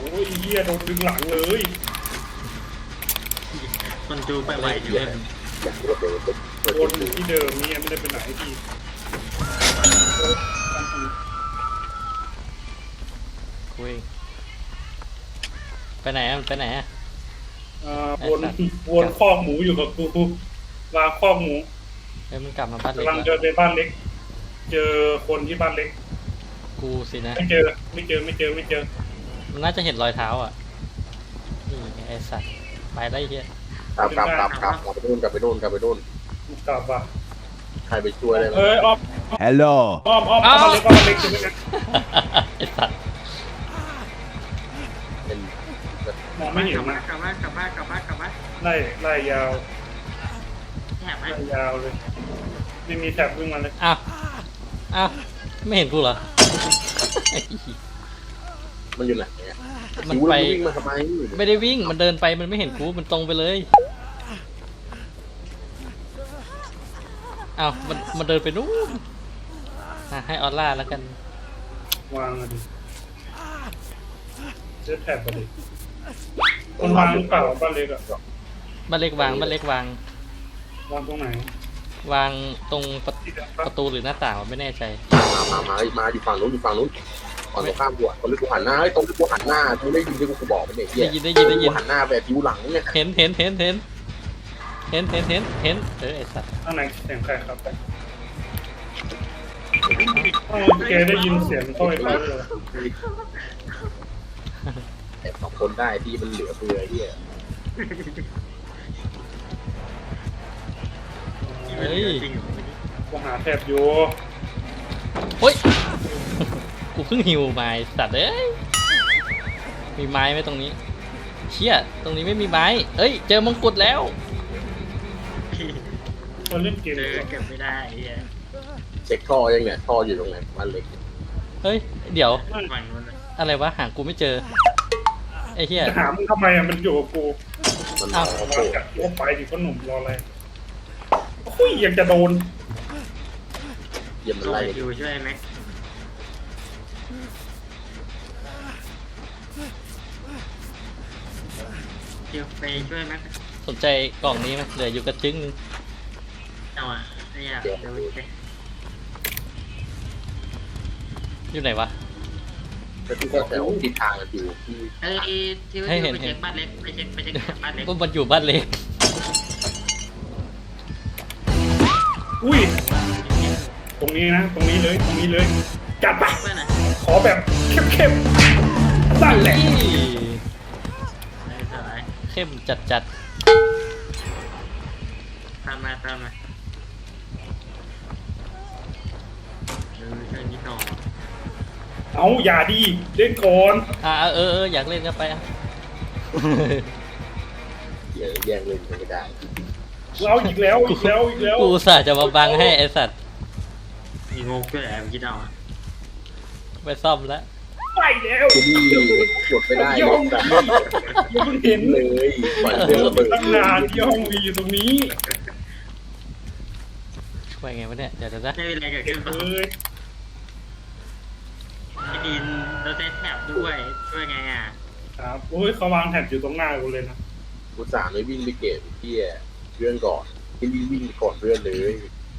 อ้ยเหี้ยโดนดึงหลังเลยคนจูไปไหวอยู่เลยอยากรู้เลยวนอยู่ที่เดิมนี่ไม่ได้ไปไหนพี่คุยไปไหนอะไปไหนอะวนคอกหมูอยู่กับกูวางคอกหมูเฮ้ยมันกลับมาบ้านเล็กกำลังแล้วเดินไปบ้านเล็ก เจอคนที่บ้านเล็กกูสินะไม่เจอไม่เจอมันน่าจะเห็นรอยเท้าอ่ะนี่ไอ้สัตว์ไปได้เฮียกลับไปนู่นกลับไปนู่นกลับว่ะใครไปช่วยได้ไหมอ้อม Hello อ้อมบ้านเล็กใช่ไหมนะไอ้สัตว์เป็นมองไม่เห็นกลับนะบ้านไล่ยาวแถบไหมไล่ยาวเลยไม่มีแถบวิ่งมาเลยอ้าวไม่เห็นกูเหรอไอ้เหี้ยมันอยู่ไหนเนี่ยมันไปวิ่งมาทำไมไม่ได้วิ่งมันเดินไปมันไม่เห็นกูมันตรงไปเลยอ้าวมันเดินไปนู้นให้ออร่าแล้วกันวางเลยดิเซตแถบไปดิคนวางหรือเปล่าบ้านเล็กอะบ้านเล็กวางบ้านเล็กวางวางตรงไหนวางตรงประตูหรือหน้าต่างไม่แน่ใจมาอยู่ฝั่งนู้นก่อนตรงข้ามกูตรงที่กูหันหน้าตรงที่กูหันหน้ามึงได้ยินที่กูบอกมันเนี่ยเหี้ยได้ยินกูหันหน้าไปผิวหลังเนี่ยเห็นไอ้สัตว์ข้างในเสียงใครครับแกได้ยินเสียงต้อยเขาเลยแต่สองคนได้ที่มันเหลือเฟือเหี้ยเฮ้ยกูหาแถบอยู่เฮ้ยกูเพิ่งหิวไม้สัตว์เอ้ยมีไม้ไหมตรงนี้เชี่ยตรงนี้ไม่มีไม้เอ้ยเจอมงกุฎแล้วคนเล่นเกมเจอเก็บไม่ได้ไอ้เหี้ยเช็คท่อยังเนี่ยท่ออยู่ตรงไหนบ้านเล็กเฮ้ยเดี๋ยวฝั่งนู้นเลยอะไรวะหากูไม่เจอไอ้เหี้ยจะหามึงทำไมอะมันอยู่กับกูมันอ้าวโอ้โหวางจากตัวไปดิพ่อหนุ่มรออะไรโอ้ยยังจะโดนเยี่ยมมันต้องไล่ไปดูช่วยไหมเดี๋ยวไปช่วยไหมสนใจกล่องนี้ไหมเหลืออยู่กระจึงนึงเอาอ่ะเนี่ยเดี๋ยวไปอยู่ไหนวะแล้วที่ก็แถวทิศทางกันอยู่ที่เอ้ยที่ว่าไปเช็คบ้านเล็กไปเช็คบ้านเล็กมันอยู่บ้านเล็กอุ้ยตรงนี้นะตรงนี้เลยจัดไปเพื่อนอ่ะขอแบบเข้มๆนั่นแหละสบายเข้มจัดตามมาช่วยนิดหน่อยเอาอย่าดีเล่นก่อนอยากเล่นก็ไปอ่ะเดี๋ยวแย่งเล่นกันไม่ได้เราอีกแล้วกูอุตส่าห์จะมาบังให้ไอสัตว์มีงกด้วยแอบคิดเอาอ่ะไปซ่อมแล้วไปแล้วที่นี่กดไม่ได้เลยแบบยังเพิ่งเห็นเลยปล่อยเดิเรื่องนระเบิดตั้งนานที่ห้องวีอยู่ตรงนี้ช่วยไงวะเนี่ยเดี๋ยวนะไม่เป็นไรเกิดขึ้นเอ้ยไอ้ดินเราเซตแถบด้วยช่วยไงอ่ะครับโอ้ยเขาวางแถบอยู่ตรงหน้ากูเลยนะกูสามไม่วิ่งไปเก็บที่เพื่อนก่อนที่วิ่งก่อนเพื่อนเลย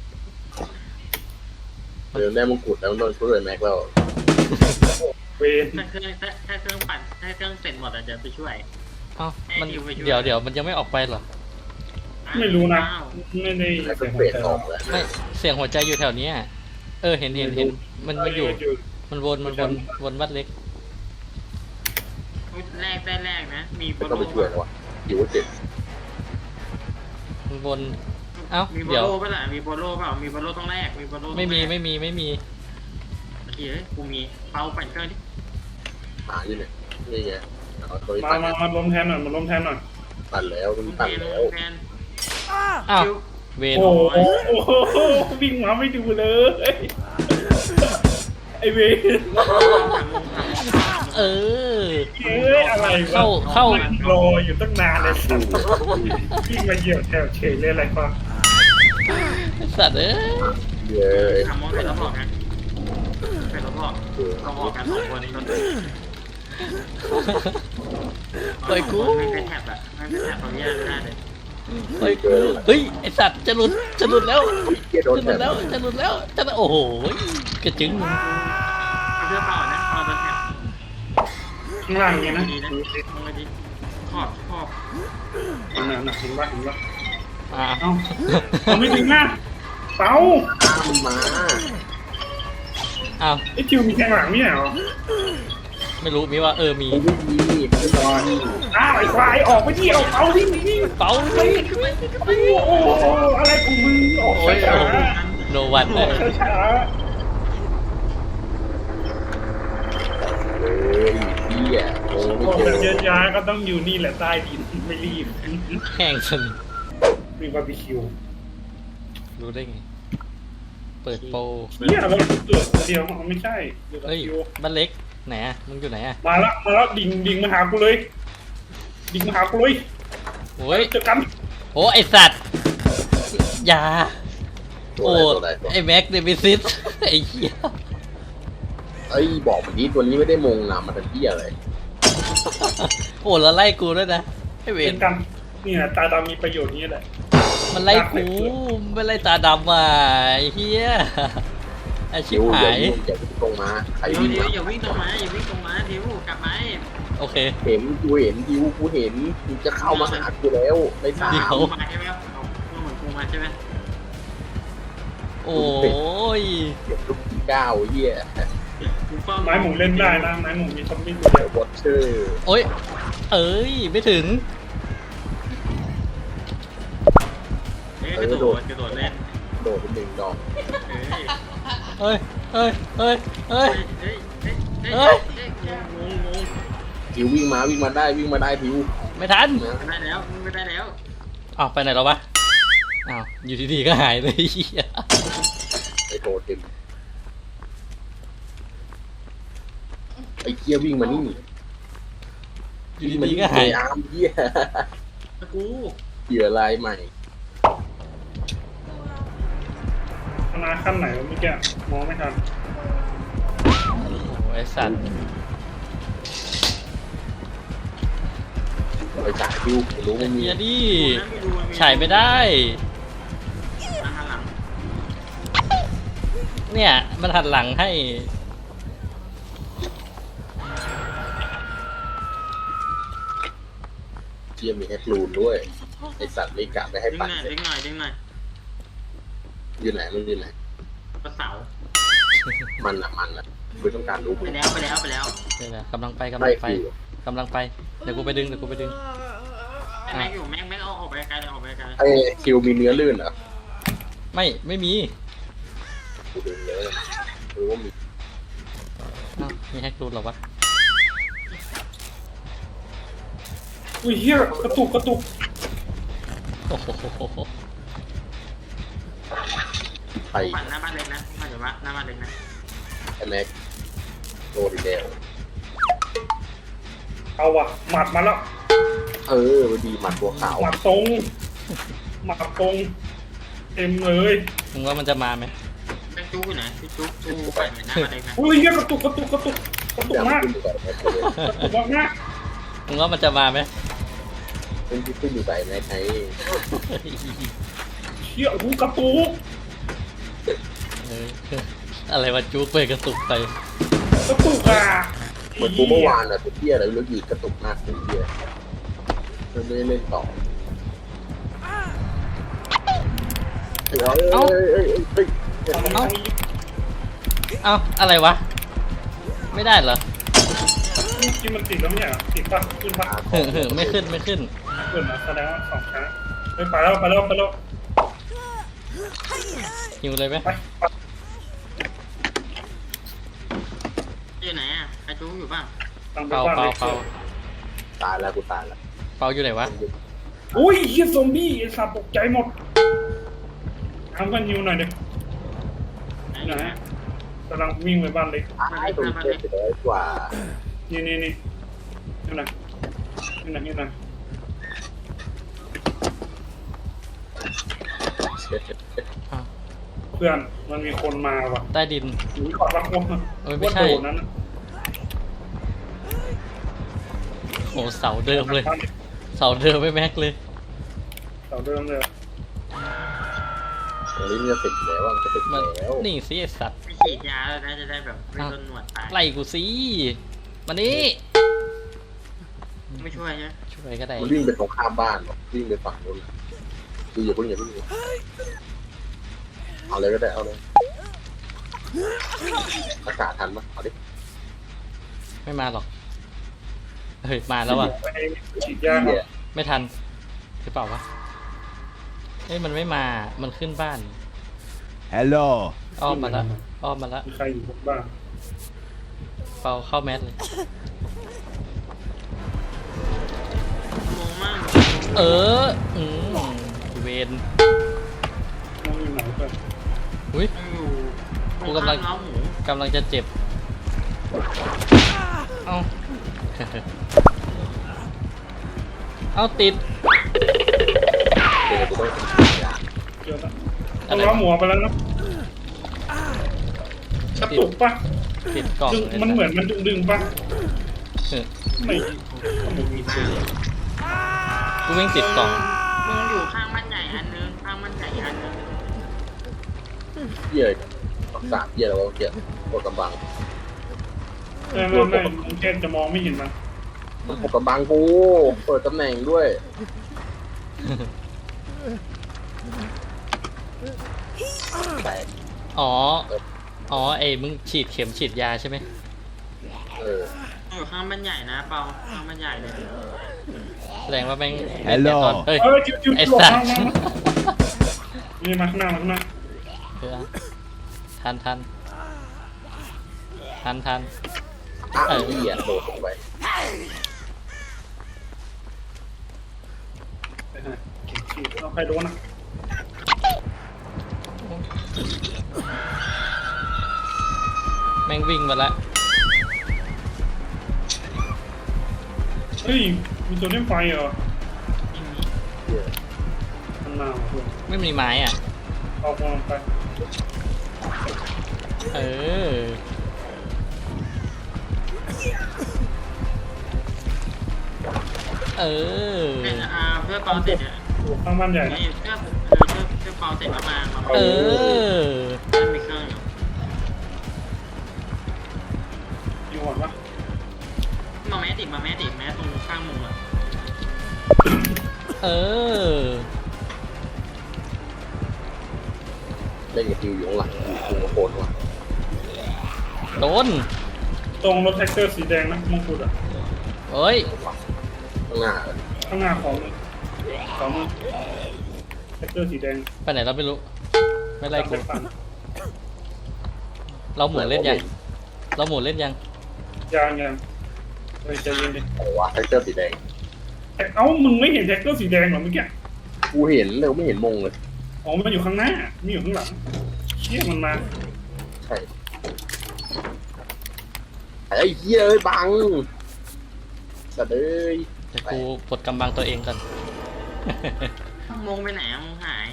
เดินได้มงกุฎแล้วโดนช่วยแม็กแล้วเวนถ้าเครื่องปั่นถ้าเครื่องเสร็จหมดอ่ะเดี๋ยวไปช่วยเอ้ามันเดี๋ยวมันยังไม่ออกไปเหรอไม่รู้นะไม่ได้แล้วก็เปลี่ยนออกแล้วไม่เสียงหัวใจอยู่แถวเนี้ยเห็นมันอยู่มันวนบ้านเล็กแรกได้แรกนะมีโบไม่โลต้องไปช่วยแล้ววะอยู่ว่าเจ็บมันวนเอ้ามีโบเดี๋ยวโลป่ะล่ะมีโบโลเปล่ามีโบโลต้องแรกมีโบโลไม่มีโอเคกูมีเปาปั่นเครื่องดิหาอยู่เนี่ยนี่ไงเอาตัวนี้มาล้มแทนหน่อยปั่นแล้วมันปั่นแล้วแทนอ้าวเวนโอ้โหวิ่งมาไม่ดูเลยไอเวนเออเอ้ยอะไรวะเข้ารออยู่ตั้งนานเลยวิ่งมาเหยียบแถวเฉยเลยอะไรวะสัตว์เอ้ยเย้ยทำมองเสร็จแล้วบอกนะเสร็จแล้วบอกเราบอกกัน2 คนปล่อยกูไม่เป็นแท็บอะไม่เป็นแท็บของเหี้ยไม่ได้เลยปล่อยกูเฮ้ยไอสัตว์จะหลุดแล้วเหี้ยโดนจะหลุดแล้วโอ้โหกระจึงเอาเสื้อเปล่านะเอาเป็นแท็บข้างล่างเนี่ยนะดีนะมึงมาดิขอบหนักเห็นปะเห็นปะอ่าเอ้าเอาไม่ถึงหน้าเต้าตามมันมาอ้าวไอ้คิวมีแทงหลังไม่ใช่เหรอไม่รู้มีว่ามีกูไม่มีไม่รอดอ้าวไอ้ควายออกไปที่เอาที่นี่เป๋าโอ้โหอะไรของมึงออกโอ้ยช้าโนวันเลยช้าเฮ้ยเหี้ยโอ้ๆไม่ออกเจแบบอเย็นยาก็ต้องอยู่นี่แหละใต้ดินไม่รีบแห้งสนิทมีบาร์บีคิวรู้ได้ไงเปิดโปรเนี่ยเราเกิดเดียวมันไม่ใช่เดี๋ยวบาเฮ้ยร์บีคิวบ้านเล็กไหนอะมึงอยู่ไหนอะมาแล้วดิ่งมาหากูเลย ดิ่งมาหากูเลยโอ้ยเจอกันโอ้ไอสัตว์อยาตัวโอ้อะไรตัวอะไรตัวไอแม็กเดวิซิสไอเหี้ยเอ้ยบอกมันนี้ตัวนี้ไม่ได้มงนะมันเป็นเหี้ยอะไรโอ้แล้วไล่กูด้วยนะไอเวเจนอกันเนี่ยตาดำมีประโยชน์นี้แหละมันไล่กูไม่ไล่ตาดำอ่ะไอเหี้ยอาชิเดี๋บยวหายอย่าวิ่งตรงมาใครเดี๋ยววิ่งเดี๋ยวมาอย่าวิ่งตรงมาอย่าวิ่งตรงมาเดี๋ยวกลับมาโอเคเห็นกูเห็นดิวกูเห็นมึงจะเข้ามาหากูแล้วในสาเดี๋มยวกูมาใช่ไหมครับเอาเหมือนกูมาใช่ไหมโอ้ยเก็บลูกที่ก้าวเหี้ยกูเฝ้าไม้หมูเล่นได้นะไม้หมูมีซอมบี้ตัวเดี๋เดียยว ววอตเชอร์โอ้ยเอ้ยไม่ถึงกระโดดเล่นโดดเป็นหนึ่งดอกเฮ้ยเฮ้ยเฮ้ยเฮ้ยเฮ้ยเฮ้ยงงทิววิ่งมาได้ทิวไม่ทันนะไม่ได้แล้วไม่ได้แล้วอ้าวไปไหนแล้ววะอ้าวอยู่ดีๆก็หายเลยเหี้ยไอ้โทเทมไอ้เกียวิ่งมานี่อยู่ดีๆก็หายอาร์มเหี้ยกูเหยื่อลายใหม่คณะขั้นไหนวะเมื่อกี้มองไม่ทันโอ้ไอสัตว์ไปจ่ายทิวรู้ไม่มีเฮียดิฉายไม่ได้มาหลังเนี่ยมันหันหลังให้เกียมีแฮกลูนด้วยไอสัตว์ไม่กะไม่ให้ดึงหปั่นน่อยเลยดึงหน่อยดึงหน่อยอยู่ไหนมันอยู่ไหนกระเสามันอ่ะไม่ต้องการรู้ไปแล้วเดี๋ยวนะกำลังไปไม่คือกำลังไปเดี๋ยวกูไปดึงแม็กอยู่แม็กเอาออกไปไกลเลยออกไปไกลไอ้คิวมีเนื้อลื่นเหรอไม่มีกูดึงเลยหรือว่ามีอ้าวมีแฮกรูดเหรอวะอุ้ยเฮียกระตุกโอ้โหใครปั่นหน้าบ้านเล็กนะมาเดี๋ยวว่าหน้าบ้านเล็กนะไอ้แม็กโดนอีกแล้วเอาว่ะหมัดมาแล้วมันดีหมัดตัวขาวหมัดตรงเต็มเลยมึงว่ามันจะมาไหมแม็กจูอยู่ไหนพี่จูปั่นหน้าบ้านเล็กนะอุ้ยเฮียกระตุกอย่ามากขึ้นอยู่กับแม็กเลยกระตุกมากมึงว่ามันจะมาไหมขึ้นอยู่กับแม็กไงเฮียหูกระตุกเอออะไรวะจุกไปกระตุกไปอ่ะเหมือนกูเมื่อวานอะตัวเที่ยอะไรแล้วยืดกระตุกมากตัวเที่ยไม่ได้เล่นต่อเอ้าอะไรวะไม่ได้เหรอที่มันติดแล้วไม่ใช่เหรอติดป่ะขึ้นป่ะไม่ขึ้นขึ้นนะแสดงว่าสองครั้งไปแล้วหิวเลยไหมไปอยู่ไหนอ่ะไอจูอยู่ป่ะตั้งไปเปาบ้านเลยตายแล้วกูตายแล้วเปาอยู่ไหนวะอุ้ยเฮียซอมบี้ไอ้สัตว์ตกใจหมดทำกันยิวหน่อยเด็กนะกำลังวิ่งไปบ้านเล็กตายตัวเที่ยจะได้กว่านี่นี่นะเพื่อนมันมีคนมาว่ะใต้ดินหนีก่อนรักวงเอ้ยไม่ใช่ว่าโดนนั้นโอ้เสาเดิมเลย เสาเดิมไม่แม็กเลยเสาเดิมเลยตรงนี้มันจะติดแล้วมันจะติดมันแล้วนี่สิไอ้สัตว์ไปฉีดยาแล้วนะจะได้แบบไม่โดนหนวดตายไล่กูสิมานี่ไม่ช่วยใช่ไหมช่วยก็ได้มันวิ่งไปตรงข้ามบ้านหรอวิ่งไปฝั่งนู้นดูอย่าเพิ่งเอาเลยก็ได้เอาเลยอากาศทันปะเอาดิไม่มาหรอกเฮ้ยมาแล้วอ่ะไปฉีดยาเหี้ยไม่ทันหรือเปล่าวะเอ้ยมันไม่มามันขึ้นบ้าน Hello. อ้อมมาละอ้อมมาละมีใครอยู่บนบ้านเปาเข้าแมสเลยงงมากเออเวนน้องอยู่ไหนกันอุ้ยมันอยู่กูกำลังล้อหมูกำลังจะเจ็บเอ้า เอาติดเดี๋ยวกูต้องยาเดี๋ยวนะต้องล้อหมูไปแล้วเนาะกระตุกปะติดกล่องดึงเลยมันเหมือนมันดึงปะเออไม่มันมีเสียงกูวิ่งติดกล่องมึงอยู่ข้างบ้านใหญ่อันนึงข้างบ้านใหญ่อันนึงเหี้ยรักษาเหี้ยแล้วก็เหี้ยปวดกำบังไม่มึงแค่จะมองไม่เห็นมันปวดกำบังกูเปิดตำแหน่งด้วยแตกอ๋อ อ๋อไอ้มึงฉีดเข็มฉีดยาใช่ไหมอยู่ข้างบ้านใหญ่นะเปาข้างบ้านใหญ่เลยแสดงว่าแม่ง Hello เฮ้ยจิ้วไอ้หลบสัตมาว์นี่มาข้างหน้ามาข้างหน้าเออทันทันทันทันอ้าวเหี้ยโดดลงไปเอาใครโดนอ่ะแม่งวิ่งมาละเฮ้ยมีตัวเล่นไฟเหรอเหี้ยข้างหน้าเพื่อนไม่มีไม้อ่ะเอามองไปเออ เออเป็นเพื่อเปาเสร็จเนี่ยข้างบ้านใหญ่นะเพื่อเปาเสร็จแล้วมาเออมันมีเครื่องอยู่อยู่ก่อนปะมาแมสติแมสตรงข้างมุมอ่ะเออเล่นกับทิวอยู่ข้างหลังอยู่ตรงโคนว่ะโดนตรงรถแท็กเตอร์สีแดงนะมงกุฎอ่ะเอ้ยข้างหน้าข้างหน้าของแท็กเตอร์สีแดงไปไหนเราไม่รู้ ไม่ไล่กูตามปปั่นเราหมุนเล่นยัง เราหมุนเล่นยังยังเฮ้ยใจเย็นดิโอ้วะแท็กเตอร์สีแดงเอ้ามึงไม่เห็นแท็กเตอร์สีแดงเหรอเมื่อกี้กูเห็นเลยไม่เห็นมงเลยอ๋อมันอยู่ข้างหน้าไม่อยู่ข้างหลังเชี่ยมันมาใช่ไอ้เหี้ยเอ้ยบังสัตว์เอ้ยเดี๋ยวกูปลดกำบังตัวเองกันมงไปไหนมงหาย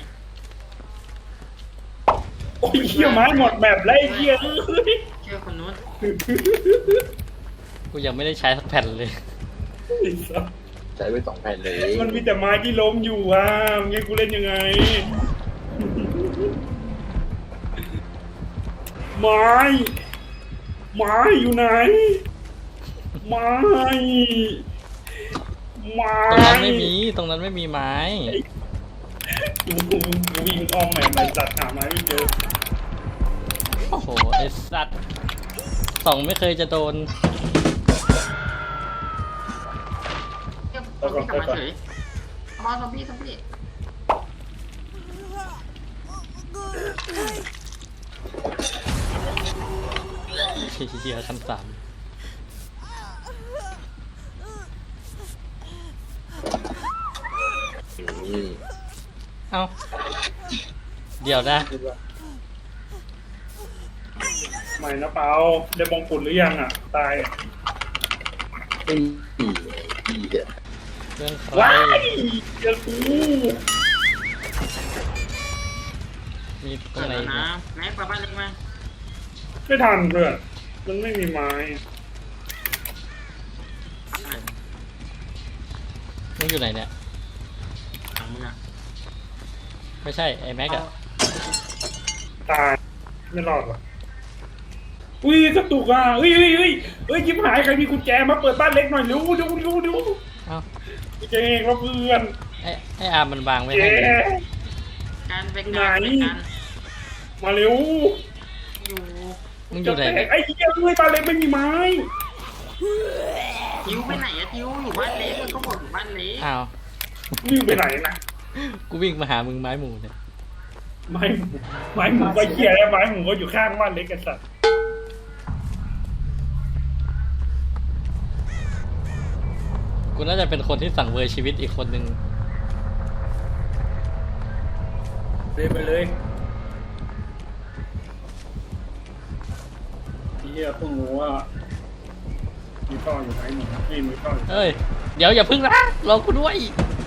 โอ้ยเชี่ยไม้หมดแบบแล้วไอ้เชี่ยเอ้ยเชื่อคนนู้นกูยังไม่ได้ใช้สักแผ่นเลยไอ้สัสใช้ไว้2 แผ่นเลยมันมีแต่ไม้ที่ล้มอยู่อ่ะมึงให้กูเล่นยังไง ไม้อยู่ไหน ไม้ตรงนั้นไม่มี ตรงนั้นไม่มีไม้กูวิ่งอ้อมแหม่ไปจัดหาไม้ไม่เจอโอ้โห ไอสัตว์สองไม่เคยจะโดนเชื่อซอมบี้กลับมาเฉยเอาซอมบี้เฮียชั้นสามอืมเอ้า เดี๋ยวนะใหม่นะเปาได้มงกุฎหรือยังอ่ะ ตายอ่ะไม่มีอีเหี้ยเรื่องใครว้ายเจอกูมีตรเกิงดไหนแล้วอีกนะนะแม็กไปบ้านเล็กมาไม่ทันเพื่อนมันไม่มีไม้มึงอยู่ไหนเนี่ยหลังมึงอ่ะไม่ใช่ไอ้แม็กอะตายไม่รอดว่ะอุ้ยกระตุกอ่ะยิ้มหายใครมีกุญแจมาเปิดบ้านเล็กหน่อยเร็วเอ้าเจ๊งแล้วเพื่อนไอ้อาร์มมันวางไว้เจ๊ให้เลยการไปการไปการมาเร็วอยู่มึงอยู่ไหนไอ้เหี้ยเลยบ้านเล็กไม่มีไม้ทิวไปไหนอะทิวอยู่บ้านเล็กมันก็บอกอยู่บ้านเล็กอ้าววิ่งไปไหนนะกูวิ่งมาหามึงไม้หมูเนี่ยไม้หมูก็เหี้ยแล้วไม้หมูก็อยู่ข้างบ้านเล็กกันสัตว์กูน่าจะเป็นคนที่สั่งเวอร์ชีวิตอีกคนนึงเดินไปเลยเหี้ยเพิ่งรู้ว่ามีท่ออยู่ไหนหนูนี่มีท่ออยู่เอ้ย เดี๋ยวอย่าพึ่งนะรอกูด้วย